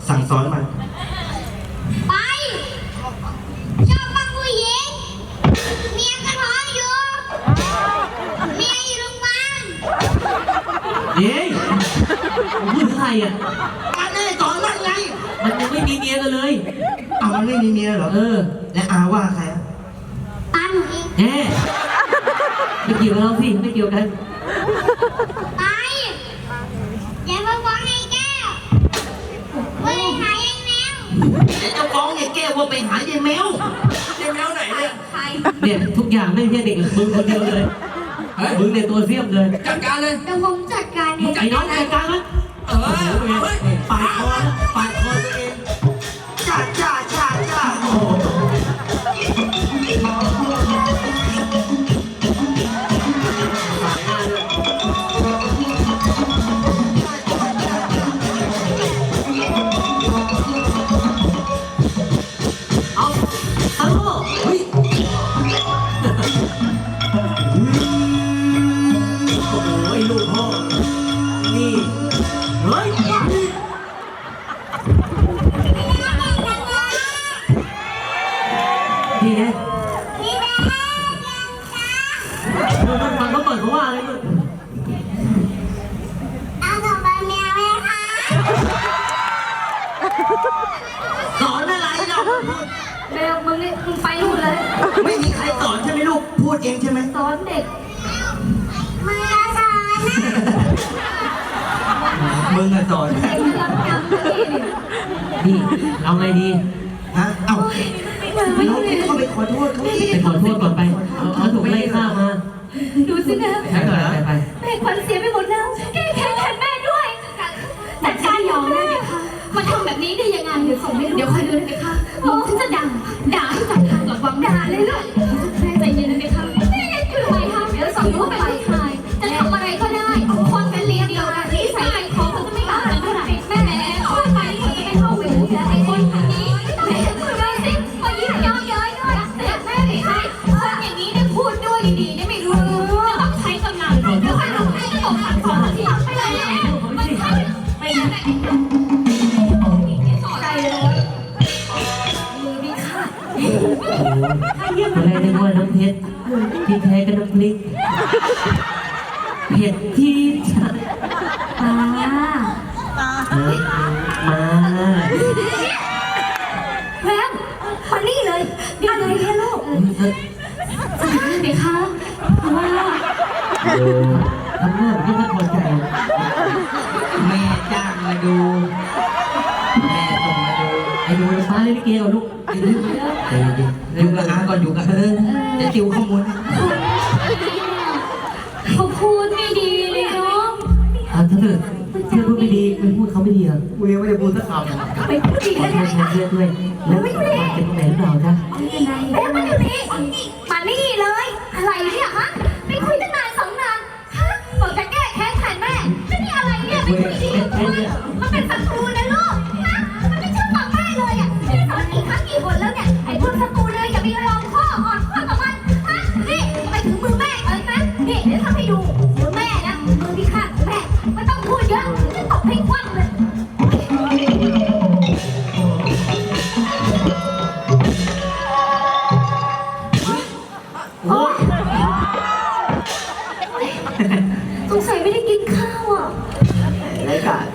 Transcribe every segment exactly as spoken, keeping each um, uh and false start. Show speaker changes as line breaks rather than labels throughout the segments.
สั่งสอนมัน
ไปชอบฟังผู้หญิงเมียก็ท้องอยู่เมียอยู่โรงพยาบาล
เฮ้ยผมพูดถึงใครอ่ะ
การได้สอนมันไง
มันยังไม่มีเมียกันเลย
เอามันไม่มีเมียเหรอ
เออ
และอาว่าใครอ่ะ
ตาหนูเอง
แหมไม่เกี่ยวกับเราสิไม่เกี่ยวกัน
ไปอย่ามาฟ้องไอ้แก้วว่าไปหาไอ้แมว
เดี๋ยวจะฟ้องไอ้แก้วว่าไปหาไอ้แมวไอ้แมวไหนเนี่ย
ใคร
เนี่ยทุกอย่างไม่ใช่เด็กมึงคนเดียวเลยมึงเนี่ยตัวเสี้ยมเลย
จัดการเลย
เดี๋ยวผมจัดการเอง
ไอ้น้องจัดการมั้ย
เออเฮ้ยปาดคอปาดคอตัวเองจ้าจ้าจ้าจ้าโอ้
เอาฮัลโหลเฮ้ยโอ้ยลูกพ่อนี่เฮ้ยนี่ไงมันฟังเขาเปิดเขาว่าอะไรด้วย
เอาส่งไปแมวไหมคะ
สอนอะไรเรา
แมวมึงนี่มึงไปนู่นเลย
ไม่มีใครสอนใช่ไหมลูกพูดเองใช่ไหม
สอนเด็กมึงจะสอนนะ
มึงอะสอน
นี่เอาไงดี
ฮะเอ้าน้องเข้าไปขอโทษเขา
ไปขอโทษก่อนไปเขาถูกไล่ฆ่ามา
ดูสินะ
ใช่ก่อนไปไป
แม่ขวัญเสียไปหมดแล้วแก้แค้นแทนแม่ด้วยแต่ฉันยอมได้ไหมคะมาทำแบบนี้ได้ยังไงเดี๋ยวส่งให้เดี๋ยวคอยดูได้ไหมคะฉันจะด่าด่าให้จับทางหลักวังด่าเลยเลยแม่ใจเย็นได้ไหมคะแม่คืออะไรคะเดี๋ยวส่งรู้ไปเลยค่ะจะทำอะไรก็ได้คนเป็นเลี้ยงเดียวที่ใส่ใจของเขาจะไม่เอาแต่เท่าไหร่แม่เข้าไปเขาจะไม่เข้าไปดูไอ้คนคนนี้แม่คุยด้วยสิมายิ้มย้อยย้อยด้วยแต่แม่ไม่ให้คนอย่างนี้ได้พูดด้วยดีๆได้ไม่รู้จะต้องใช้กำลังเดี๋ยวใครรู้ให้จะตกขันของที่ทำไปเลยมันใช่ไม่ได้ใจเลยมือดีค่ะ
อะไรนึกว่าน้ำเพชรที่แท้ก็น้ำพริกเผ็ดที่ฉัน
ตา
มา
แพมมานี่เลยอะไรเนี่ยลูกจะทำไหมคะว่า
โอ้ทำหน้าไม่พอใจ
แม่จ้างมาดูแม่ส่งมาดู
ไอ้ดูฟ้าเล่นเกมลูกไอ้ดูไอ้ดู
อยู่กับอาก่อนอยู่กับเออจะติวข้อมูล
เขาพูดไม่ดีเลยน้อง
อ่าถ้าเกิดเพื่อนพูดไม่ดีไปพูดเขาไม่ดีอ่ะ
กูยังไม่ได้พูดสักคำ
ไปพูดดี
ขอ
ได้
โทษเพื่อนด้วยแล้วมันเป็นตรงไหนหรือเปล่าจ๊ะ
เอ๊ะมาอยู่นี่มานี่เลยอะไรเนี่ยฮะไม่คุยตั้งนานสองนานฮะบอกจะแก้แค้นแทนแม่แล้วนี่อะไรเนี่ยไม่คุยดีด้วยมันเป็นศัตรูนะลูกฮะมันไม่เชื่อฟังแม่เลยอ่ะจะสอนกี่ครั้งกี่คนแล้วเนี่ยไอ้พวกศัตรูเลยอย่าไปยอมข้ออ่อนข้อกับมันฮะนี่ไปถึงมือแม่เลยนะนี่เดี๋ยวทำให้ดูมือแม่นะมือที่ข้างแม่ไม่ต้องพูดเยอะจะตบให้คว่ำเลย
โอ้
สงสัยไม่ได้กินข้าวอ่ะ
รายการ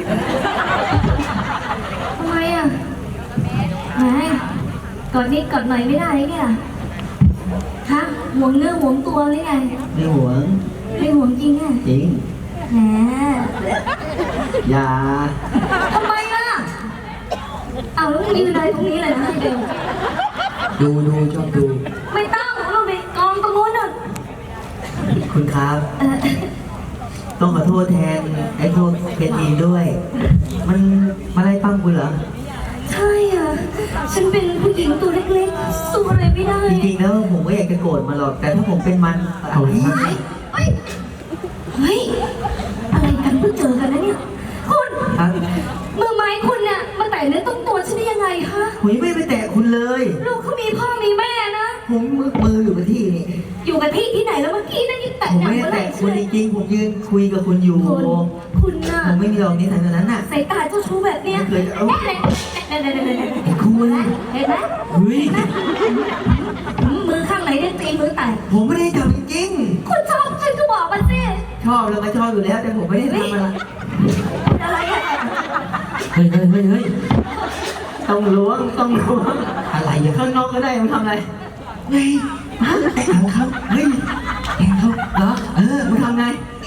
ทำไมอ่ะแหมก่อนนี้ก่อนหน่อยไม่ได้ไงล่ะฮะหวงเนื้อหวงตัวหรือไง
ไม่หวง
ไม่หวงจริงอ่ะ
จริง
แหม
อย่า
ทำไมล่ะเอาแล้วยืนเลยตรงนี้เลยนะเดี๋ยว
ดูดูชอบดู
ไม่ต้องเราไปกองตรงนู้นน่ะ
คุณครับต้องขอโทษแทนไอ้พวกเพทีด้วยมันมาไล่ปั้มคุณเหรอ
ใช่อ่ะฉันเป็นผู้หญิงตัวเล็กๆสู้อะไรไม่ได้
จริงๆแล้วผมก็อยากจะโกรธมาหรอกแต่ถ้าผมเป็นมัน
เอาเ
ฮ้ยเฮ้ยเฮ้ยอะไรกันเพิ่งเจอกันนะเนี่ยคุณมือไม้คุณเนี่ยมาแต่เนื้อต้องตัวฉันได้ยังไงคะ
ผมไม่ไปแตะคุณเลย
ลูกเขามีพ่อมีแม่นะ
ผมมือมืออยู่กับที่นี่
อยู่กับที่ที่ไหนแล้วเมื่อกี้นั่นยังแตะ
ผมไม่ได้แตะคุณจริงๆผมยืนคุยกับคุณอยู่
คุณคุณน่ะ
ผมไม่มีหรอกนิสัยแบบนั้นน่ะ
สายตาเจ้าชู้แบบเนี้ย
ไม่เคยเอา
เอ๊ะเดี๋ยวเดี๋ยวเดี๋ยวเดี๋ยวเดี๋ยว
ไอ้คุณ
เห็นไหม
เฮ้ย
มือข้างไหนเนี่ยตีมือแตก
ผมไม่ได้ทำจริง
คุณชอบฉันก็บอกมาสิ
ๆชอบแล้วก็ชอบอยู่แล้วแต่ผมไม่ได้ทำอะไร
อะไรอะ
เฮ้ยเฮ้ยเฮ้ยเฮ้ย
ต้องล้วงต้องล้วง
อะไรอ่ะ
ข้างนอกก็ได้มันทำอะไร
ไงฮะแต่งเขาเฮ้ยแต่งเขา
เหรอเออมันทำไง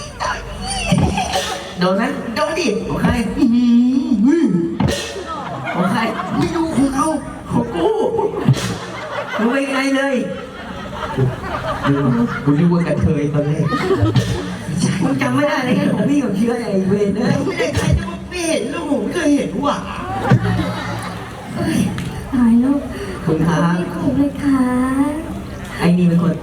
โดนไหม
โดนดิ
ของใคร
อื้อหือ
ของใคร
ไม่รู้ของเขา
ของกูมึงไปไงเลย
กูนึกว่ากระเทยตอนแรก
มึงจำไม่ได้เลยไงของพี่กับเชื้อไอ้เวรเลย
ไม่ได้ใครจะมาไม่เห็นแล้วผมไม่เคยเห็นว่ะ
ตายแล้ว
คุณครับ
ไม่ถูกเลยค่ะ
ไอ้นี่เป็นคน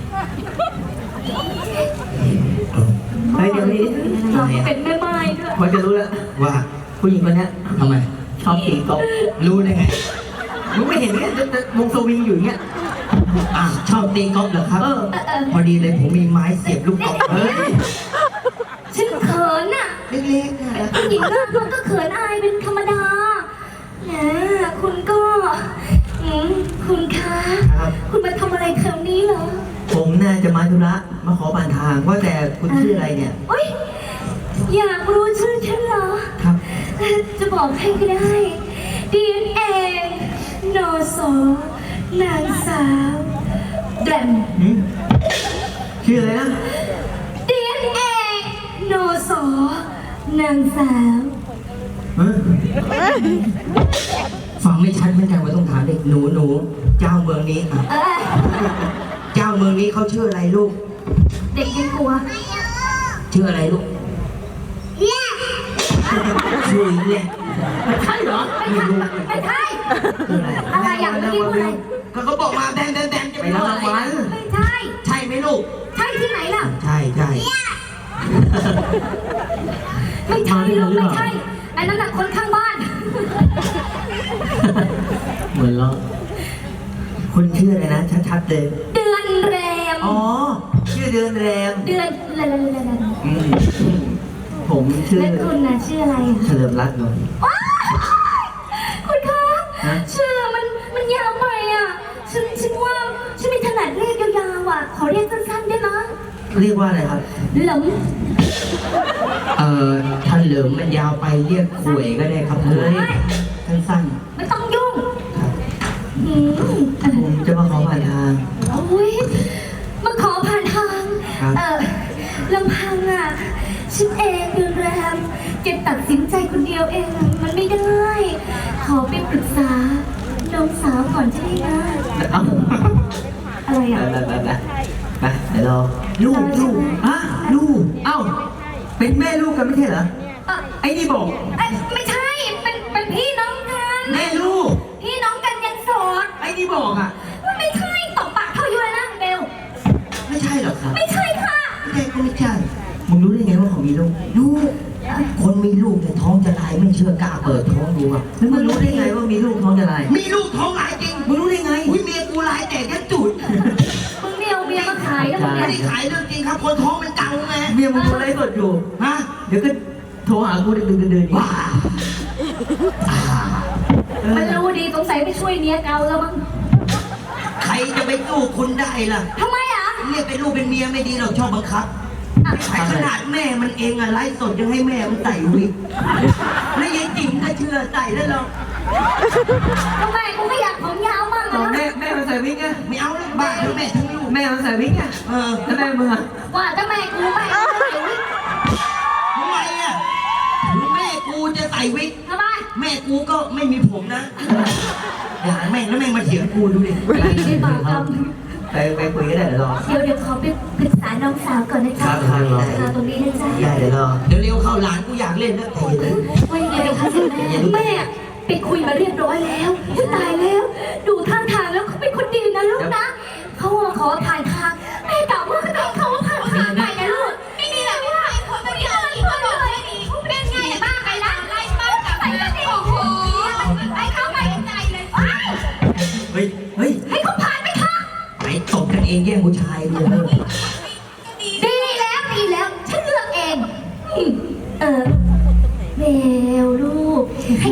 เฮ้ยเดี๋ยวนี้
เราเป็นแม่ไม้ด้วย
พอจะรู้แล้ว
ว่า
ผู้หญิงคนเนี้ย
ทำไม
ชอบตีกอล์ฟ
รู้ได้ไง
มึงไม่เห็นไงวงสวิงอยู่อย่างเงี้ย
อ่ะชอบตีกอล์ฟเหรอครับ
เออ
เออเออ
พอดีเลยผมมีไม้เสียบลูกกอล์ฟ
เฮ้ย
ฉันเขินน่ะ
เล็กๆนะ
ผู้หญิงหน้ามันก็เขินอายเป็นธรรมดาแหมคุณก็อืมคุณคะ
ครับ
คุณมาทำอะไรแถวนี้เหรอ
ผมน่าจะมาธุระมาขอผ่านทางว่าแต่คุณชื่ออะไรเนี่ย
โอ๊ยอยากรู้ชื่อฉันเหรอ
ครับ
จะบอกให้ก็ได้ ดี เอ็น เอ นอสอนางสาวแดม
หืมชื่ออะไรนะ
ดี เอ็น เอ นอสอนางสาว
เออ
ฟังไม่ชัดเหมือนกันว่าต้องถามเด็กหนูหนูเจ้าเมืองนี้อ่ะ
เออ
เจ้าเมืองนี้เขาชื่ออะไรลูก
เด็กยังกลัว
ชื่ออะไรลูกชื่อแหละ
ใช่เหรอ
ไม่ใช่ไม่ใช่อะไรอย่างเมื่อกี้พูดอะไร
ก็เขาบอกมาแดนแดนแดนจะ
ไป
ไป
รับ
รอ
รา
อะ
ง
ไร
วัล
นะ
ไม่ใช่
ใช่ไหมลูก
ใช่ที่ไหนล่ะ
ใช่ใช่
ไม่ใช่ลูกไม่ใช่ไอ้นั่นน่ะคนข้างบ้าน
เหมือนเราคุณชื่ออะไรนะชัดๆเลย
เดือนแรม
อ๋อ ชื่อเดือนแรม
เดือนละละละละละ
อืมผมชื่อ
แล้วคุณน่ะชื่ออะไรอ่ะ
เฉลิมรัตน์นนท์
ว้ายคุณคะ
ฮะ
ชื่อมันมันยาวไปอ่ะฉันฉันว่าฉันไม่ถนัดเรียกยาวๆอ่ะขอเรียกสั้นๆได้ไหม
เรียกว่าอะไรครับ
หลง
เอ่อท่านเหลิมมันยาวไปเรียกขวยก็ได้ครับเฮ้ยสั้น
ไม่ต้องยุ่ง
ๆครับ
อืมเออ
ผมจะมาขอผ่านทาง
โอ้ยมาขอผ่านทาง
ครับ
เออลำพังอ่ะฉันเองเดือนแรมจะตัดสินใจคนเดียวเองอะมันไม่ได้ ขอไปปรึกษาน้องสาวก่อนใช่ไหมนะ
เอ้า
อะไร
ไป
อ่ะ
ไปไปไปไปเดี๋ยวรอลูกลูกอ่ะลูก เอ้า เป็นแม่ลูกกันไม่ใช่เหรอ
เอ่อ
ไอ้นี่บอก
เอ้ยไม่ใช่ เป็นเป็นพี่น้องกัน
แม่ลูก
พี่น้องกันยังโสด
ไอ้นี่บอกอ่ะ
ไม่ใช่ตบปากเท่าอยู่เลยนะเบล
ไม่ใช่หรอกครับ
ไม่ใช่ค่ะ
ไม่ใช่ก็ไม่ใช่
มึงรู้ได้ไงว่าเขามีลูก
ลูกคนมีลูกแต่ท้องจะลายไม่เชื่อกล้าเปิดท้องดูอ่ะ
แล้วมึงรู้ได้ไงว่ามีลูกท้องจะลาย
มีลูกท้องลายจริง
มึงรู้ได้ไง
อุ้ยเมียกูลายแต่แค่จุด
มึงเนี่ยเอาเบียร์มาขายแล้วมึง
ไม่
เนี่ย
ได้ขายเรื่องจริงครับ คนท้องมันเก่าไง
เมียมึงดูไลฟ์สดอยู่
ฮะ
เดี๋ยวก็โทรหากูดึกดึกเดินๆ
ว้าอ่า
มันรู้ดีสงสัยไปช่วยเมียเก่าแล้วมั้ง
ใครจะไปสู้คุณได้ล่ะ
ทำไมอ่ะ
เรียกเป็นลูกเป็นเมียไม่ดีเราชอบบังคับ
อ่ะ
ไอ้ขนาดแม่มันเองอะไลฟ์สดยังให้แม่มันใส่วิกแล้วยายจิ๋มก็เชื่อใส่แล้วเรา
ทำไมกูไม่อยากผมยาวมาก
ตอน
นะ
แม่แม่มันใส่วิกไง
ไม่เอาแล้วบ้าทั้งแม่ทั้งลูก
แม่มันใส่วิกไง
เออ
แล้วแม่มึงอะ
ว่าถ้าแม่กูไม่เอาใส่วิก
ทำไมอะถึงแม่กูจะใส่วิก
ทำไม
แม่กูก็ไม่มีผมนะอย่าแม่งแล้วแม่งมาเถียงกูดูดิ
ไม่ได้บาปกรรม
ไปไปคุยกันได้เดี๋ยวรอ
เดี๋ยวเดี๋ยวขอไปปรึกษาน้องสาวก่อนนะจ๊ะ
ครับครับรอ
ค่ะตรงนี้นะจ๊ะ
ได้เดี๋ยวรอ
เร็วๆเข้าหลานกูอยากเล่นแล้วแต่อย่าลืม
ว่ายังไงคะเสร็จแล้วแม่ไปคุยมาเรียบร้อยแล้วตายแล้ว ดูท่าทางแล้วเขาเป็นคนดีนะลูกนะเขามาขอถ่ายทางแม่กล่าวว่าเขาต้องเขาผ่านทางไปนะลูกไม่มีอะไรไม่ได้คนไม่ได้อะไรก็เลยเป็นไงบ้างไปละไล่บ้างกับไปละโอ้โหไอ้เขาไปใจเลย
เฮ้ย เฮ้ย
ให้เขาผ่านไปค่ะ
ไหนตบกันเองแย่งผู้ชายเลย
ดีแล้วดีแล้วฉันเลือกเองอืมเออ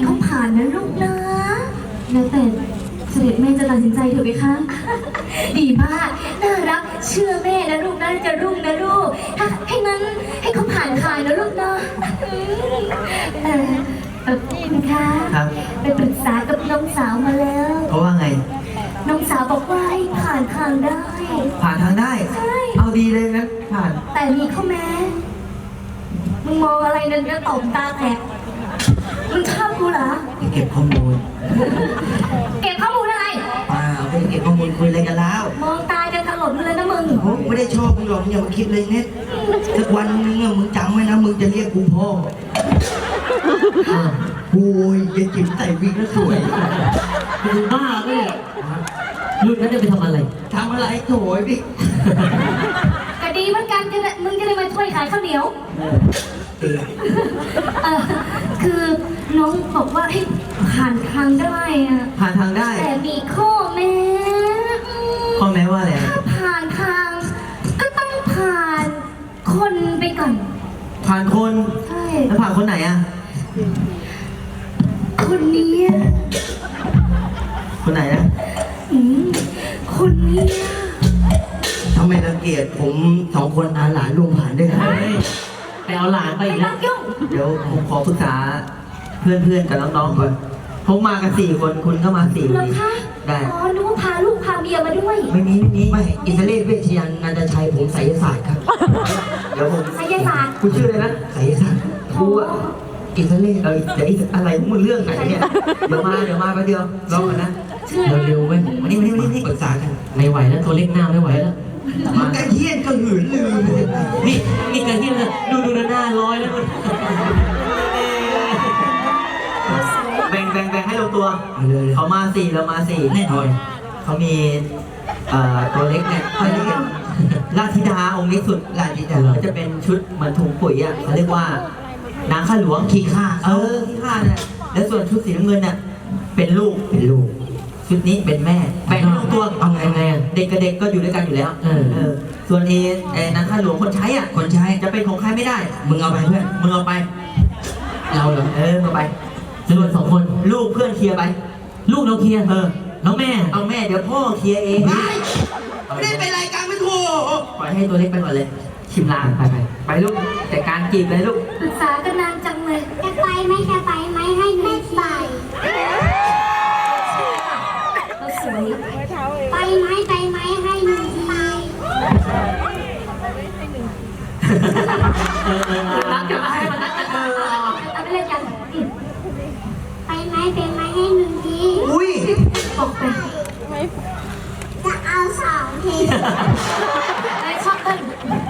เขาผ่านนะลูกนะแล้วแต่เสด็จแม่จะตัดสินใจเถอะไหมคะ ดีมากน่ารักเชื่อแม่นะลูกนะจะรุ่งนะลูกถ้าให้งั้นให้เขาผ่านคายนะลูกนะอืมเออเออคุณคะ
ครับ
ไปปรึกษากับน้องสาวมาแล้ว
เขาว่าไง
น้องสาวบอกว่าให้ผ่านทางได้
ผ่านทางได้
ใช่
เอาดีเลยงั้นผ่าน
แต่มีข้อแม้ มึงมองอะไรนั่นก็ตบตาแตกมึงชอบกูเหรอ
เก็บข้อมูล
เก็บข้อมูลอะไร
เปล่าไม่ได้เก็บข้อมูลคุยอะไรกันแล้ว
มองตาจะถลนเลยนะมึง
ผมไม่ได้ชอบมึงหรอกมึงอย่ามาคิดเลยเน็ตสักวันนึงอะมึงจำไว้นะมึงจะเรียกกูพ่ออ่ะโอ้ยยายจิ๋มใส่วิกแล้วสวย
มึงบ้าปะเนี่ยรุ่นนั้นจะไปทำอะไร
ทำอะไรโถยพี่
ก็ดีเหมือนกันจะได้มึงจะได้มาช่วยขายข้าวเหนียว
เตือน
เออคือน้องบอกว่าให้ผ่านทางได้อะ
ผ่านทางได้
แต่มีข้อแม้อืม
ข้อแม้ว่าอะไร
ถ้าผ่านทาง ก็ต้องผ่านคนไปก่อน
ผ่านคน
ใช่
แล้วผ่านคนไหนอะ
คนเนี้ย
คนไหนนะ
อืมคนเนี้ย
ทำไมรังเกียจผมสองคนอาหลานลุงผ่านด้วยกัน
ไปเอาหลานไป
ไม่
อีก
ต้
แล้
อ
ว
งยุ่ง
เดี๋ยวผมขอปรึกษาเพื่อนๆกับน้องๆก่อนผมมากันสี่คนคุณก็มาสี่ค
เหรอน คะ
ได้
อ๋อนึกว่าพาลูกพาเมียมาด้วย
ไม่มีไม่มี
ไม่อิตาลีเวชยันนันทชัยผมไสยศาสตร์ครับ
เดี๋ยวผม
ไสยศาสตร์
คุณชื่ออะไรนะ
ไสยศาสตร์
กูอะอิตาลีเออเดี๋ยวอีอะไรมึงเรื่องไหนเนี่ยเดี๋ยวมาเดี๋ยวมาแป๊บเดียวรอก่อนนะ
ชื่ออะไร
เร็วๆเว้ย
มานี่มานี่มานี่
ปรึกษากันไม่ไหวแล้วตัวเล็กหน้าไม่ไหวแล้ว
มันกระเทียนกระหืนลืม
นี่นี่กระที่เลยดูดูหน้าร้อยแล้วมัน
แบ่งแบ่งแบ่งให้ลงตัว
เอาเลย
เขามาสี่เรามาสี่
แน่นอน
เขามีเอ่อตัวเล็กเนี่ยเขาเรียกราชธิดาองค์เล็กสุดราชธิดาก็จะเป็นชุดเหมือนถุงปุ๋ยอ่ะเขาเรียกว่านางข้าหลวงขี้ข้าเออขี้ข้าเนี่ยแล้วส่วนชุดสีน้ำเงินเนี่ยเป็นลูกเป็นลูก ชุดนี้เป็นแม่แบ่งให้ลงตัว
เอาไงไงอะ
เด็กกับเด็กก็อยู่ด้วยกันอยู่แล้ว
เออ
เออส่วนเอเอนางข้าหลวงคนใช้อ่ะคนใช้จะเป็นของใครไม่ได้ มึงเอาไปเพื่อนมึงเอาไป
เราเหรอ
เออเอาไป
จำนวนสองคน
ลูกเพื่อนเคลียร์ไป
ลูกเราเคลียร์
เออ
แล้วแม่
เอาแม่เดี๋ยวพ่อเคลียร์เอง
ไม่ได้เป็นรายการไม่ถูก
ปล่อยให้ตัวเล็กไปก่อนเลย ชิมลางไปไปไปลูกแต่การจีบเลยลูก
ปรึกษากันนานจังเลย
จะไปไหมจะไปไหมให้ไม่ไป
เราสวย
ไปไหมไปไหมให้หนึ่งที
รักกันมาให้มันรักกันเออเอาไปเล่นกันอืม
ไปไหมไปไหมให้หนึ่งที
อุ้ย
บอกไป
จะเอาสองที
ไอ้ชอบเต้น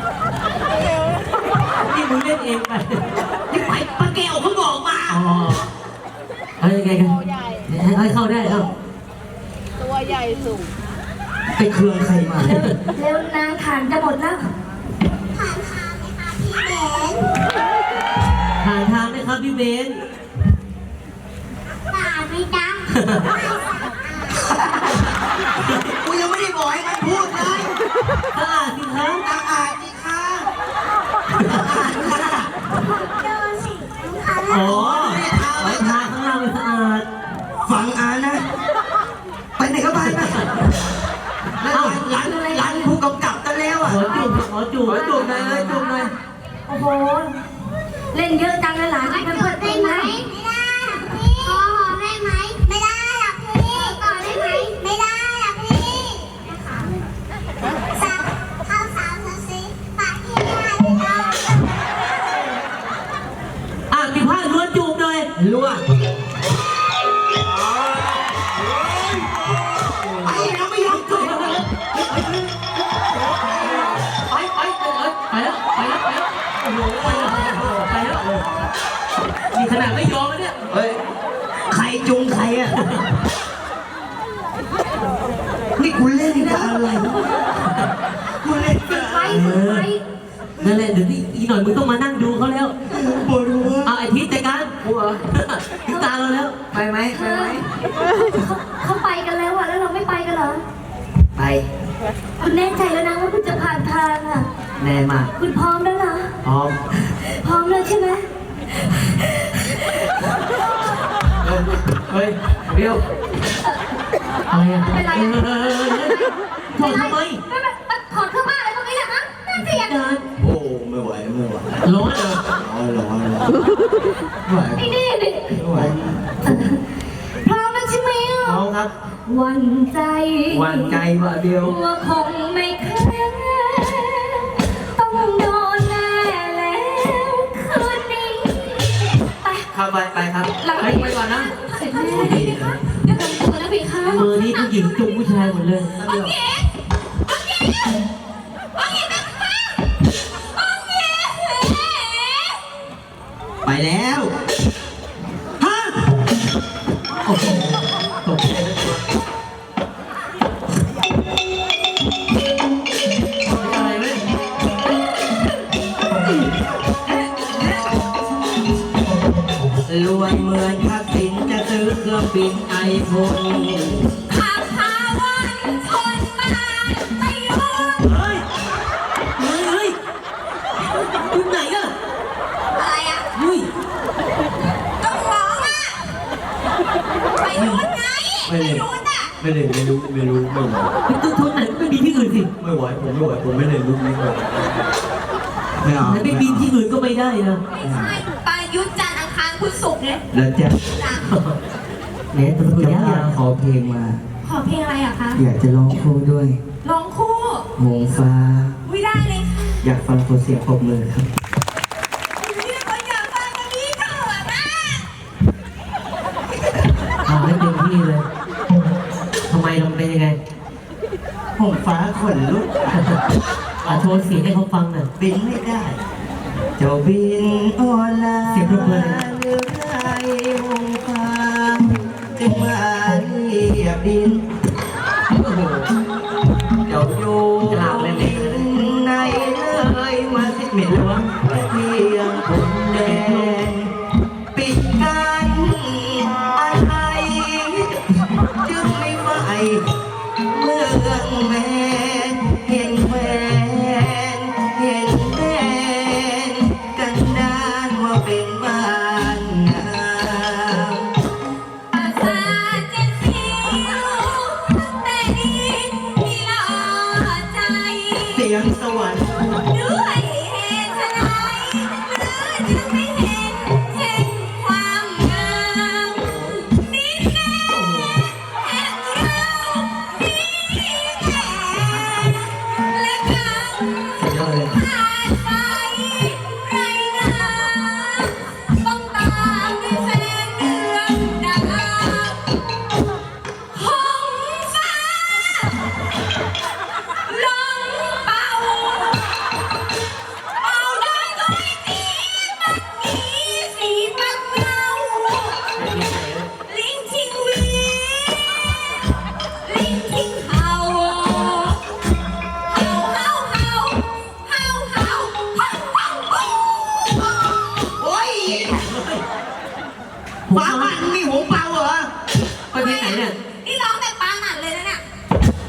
นี่มึงเล่นเองไป
นี่ไปป้าแก้วเขาบอกมา
อ๋อเอายังไงกันให้ให้เข้าได้เอ้า
ตัวใหญ่สูง
ไปเครื่องใครมา
เร็วเร็วนางขานจะหมดแล้ว
ผ่านทางไหมคะพี่เบน
ผ่านทางไหมครับพี่เบน
ป่าไหมจ๊ะ
กูยังไม่ได้บอกให้มันพูดเลย
สะอาดสิครับ
อาอาดสิคะอาอาดค่ะ
ดูสิเอา
อ๋
ละ
อไว้ทาข้างล่างมันสะอาด
ฟังอานะ ไปไหนก็ไปไปแล้วหลานหลานผู้กำกับกันแล้วอ่ะ
ขอจูบขอจูบ
ขอจูบหน่อยเลยจูบหน่อย
โอ้โห เล่นเยอะจังเลยหลาน
ไม่
เพื่อน
ก
เพื่อ
ด
น
ได้
ตี
ไหม
นะ
ไม่ได้หรอกพี่ขอหอมได้ไหมไม่ได้หรอกพี่กอดได้ไหมไม่ได้หรอกพี่นะคะสักเข้าสาวเธอสิปากที่ไม่ได้พี่น้อง
อ่ะมีผ้าล้วนจูบหน่อย
รั่ว
ไอ้เราไม่ยอมจบ
ไปไปไปเลยไปแล้วไปแล้วไปแล้วโอ้โหไปแล้วไปแล้วนี่ขนาดไม่ยอมแล้วเนี่ย
เฮ้ยใครจุงใครอ่ะนี่คุณเล่นกับอะไรคุณเล่นกับ
ไปฝึกไป
นั่นแหละเดี๋ยวนี้อีกหน่อยมึงต้องมานั่งดูเขาแล้ว
ปวดหัว
เอาไอ้ทิศจัดการหัวถึงตาเราแล้ว
ไปไหมไปไหม
เขาเขาไปกันแล้วอ่ะ แล้วเราไม่ไปกันเหรอ
ไป
คุณแน่ใจแล้วนะว่าคุณจะผ่านทางอ่ะ
แน่มาก
คุณพร้อมแล้วเหรอ
พร้อม
พร้อมแล้วใช่ไหม
เออ
เฮ้ยเบี้ยวอะไรอ่ะ
เป็นไร
เอ
อะ
อถอดทำไม
ไม่ไม่ถอดเครื่องบ้านอะไรตรงนี้เหรอฮะน่าเกลียด
การ
โอ้ไม่ไหวไม่ไหว
ร้อนเหรอ
ร้อนร้อนร้อนไม่ไหว
ไอ้นี่นี่
ไม่ไหว
พร้อมแล้วใช่ไหมอ่ะ
เอาครับ
หวันใจ
หวันใจว่าเดียว
ว่าคงไม่แค่ต้องโดนแน่แล้วคืนนี้ไป
เข้าไปไปครับ
หลัง
ไปไปก่อนนะ
เสร็จแล้วเดี๋ยวค่ะเดี๋ยวกันตัวนะพี่คะ
มือนี่ผู้หญิงจุงผู้ชายหมดเลย
โอเคโอเคโอเคนะคะโอเค
ไปแล้วฮะ
โอ้โหตกใจทั้งตัวอะไรไหม
รวยเหมือนทักษิณจะซื้อเครื่องบินไอโฟน
ข้าพาวันคนมาไม่รู้
เฮ้ยเฮ้ยเฮ้ยอยู่ไหนอะ
อะไรอ่ะ
เฮ้ย
ต้องร้องอ่ะไปรู้ไงไปรู้น่ะ
ไม่เลยไม่รู้ไม่รู้ไม่ไหว
ไปตู้ทุนไหนไม่มีที่อื่นสิ
ไม่ไหวผมไม่ไหวผมไม่เลยรู้ไม่ไหวไม่เอา
แล้วไปบินที่อื่นก็ไม่ได้นะ
ไม่ใช่ปายุทธจันทร์อังคารพุธศุกร์เนี่ย
แล้วจะ
จ้ะ
เนี่ยตัวตัวยาย
จะาก ขอเพลงมา
ขอเพลงอะไรอะคะ
อยากจะร้องคู่ด้วย
ร้องคู่
หงฟ้า
วิได้เลยค่ะ
อยากฟังคนเสียงปรบมือครับ
วิได้คนอยากฟังกันนี้เถิดนะ
เอาให้เต็มที่เลยทำไมเราเป็นยังไง
หงฟ้าขนลุก
อ่ะโชว์เสียงให้เขาฟังหน่อย
บินไม่ได้ เจ้าบินออนไลน์
เสียงปรบมือเลยนะ
เรือไรหงฟ้าจึงมาเรียบดิน
โอ้โห
เจ้าอยู่
กราบเลยไหม
ในเลยมาสิเหม็นเลยวะเพียงผมแดงปิดกันอะไรจึงไม่ไหวเมืองแมนเห็นแหวนเห็นแดนกันดานว่าเป็นบ้านงาม
อาสาจะเสียวแต่ดีที่หล่อใจ
เสียงสวรรค์
ด้วยเหตุไฉนหรือจึงไม่เห็นเห็นความงามนี่แน่แห่งเรานี่แน่และกัน
สุดยอดเลย
ผ่านไปไรนาต้องตามด้วยแสงเดือนดาวหงฟ้าลองเป่าเป่าได้ก็ไม่ตีมันมีสีมักเงาลิงทิ้งหวีลิงทิ้งเห่าเห่าเห่าเห่าเห่าเห่าเห่าเห่าปู
โอ้ยฟ้าบ้านมีหงส์ป่า